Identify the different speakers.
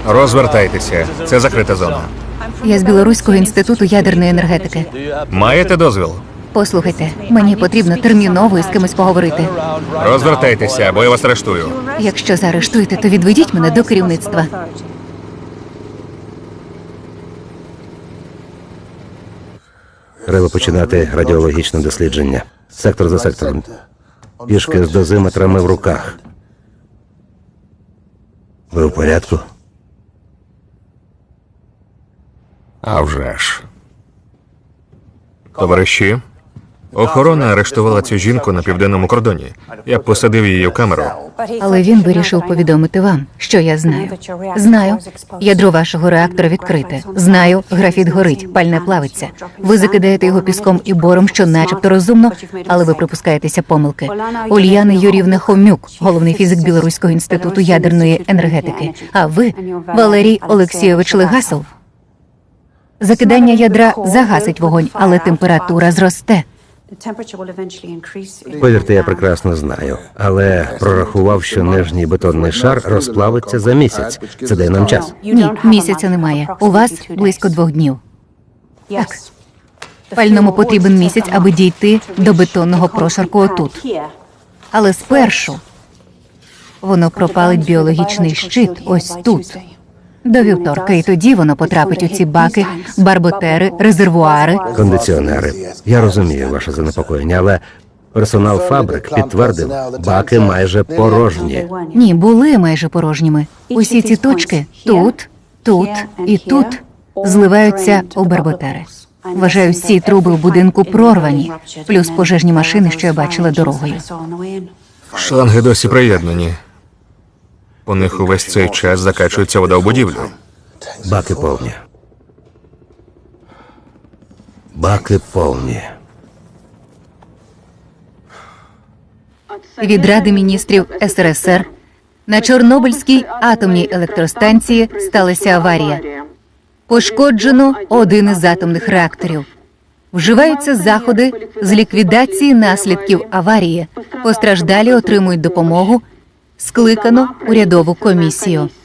Speaker 1: Розвертайтеся. Це закрита зона.
Speaker 2: Я з Білоруського інституту ядерної енергетики.
Speaker 1: Маєте дозвіл?
Speaker 2: Послухайте, мені потрібно терміново із кимось поговорити.
Speaker 1: Розвертайтеся, або я вас арештую.
Speaker 2: Якщо заарештуєте, то відведіть мене до керівництва.
Speaker 3: Треба починати радіологічне дослідження. Сектор за сектором. Пішки з дозиметрами в руках. Ви в порядку?
Speaker 1: А вже ж. Товариші, охорона арештувала цю жінку на південному кордоні. Я посадив її в камеру.
Speaker 2: Але він вирішив повідомити вам, що я знаю. Знаю, ядро вашого реактора відкрите. Знаю, графіт горить, пальне плавиться. Ви закидаєте його піском і бором, що начебто розумно, але ви припускаєтеся помилки. Ульяна Юріївна Хомюк, головний фізик Білоруського інституту ядерної енергетики. А ви, Валерій Олексійович Легасов. Закидання ядра загасить вогонь, але температура зросте.
Speaker 3: Повірте, я прекрасно знаю. Але прорахував, що нижній бетонний шар розплавиться за місяць. Це дає нам час.
Speaker 2: Ні, місяця немає. У вас близько 2 днів. Так. Пальному потрібен місяць, аби дійти до бетонного прошарку отут. Але спершу воно пропалить біологічний щит ось тут. До вівторка, і тоді воно потрапить у ці баки, барботери, резервуари.
Speaker 3: Кондиціонери. Я розумію ваше занепокоєння, але персонал фабрик підтвердив, баки майже порожні.
Speaker 2: Ні, були майже порожніми. Усі ці точки тут, тут і тут зливаються у барботери. Вважаю, всі труби в будинку прорвані, плюс пожежні машини, що я бачила дорогою.
Speaker 1: Шланги досі приєднані. У них увесь цей час закачується вода в будівлю.
Speaker 3: Баки повні. Баки повні.
Speaker 2: Від Ради міністрів СРСР на Чорнобильській атомній електростанції сталася аварія. Пошкоджено один із атомних реакторів. Вживаються заходи з ліквідації наслідків аварії. Постраждалі отримують допомогу. Скликано урядову комісію.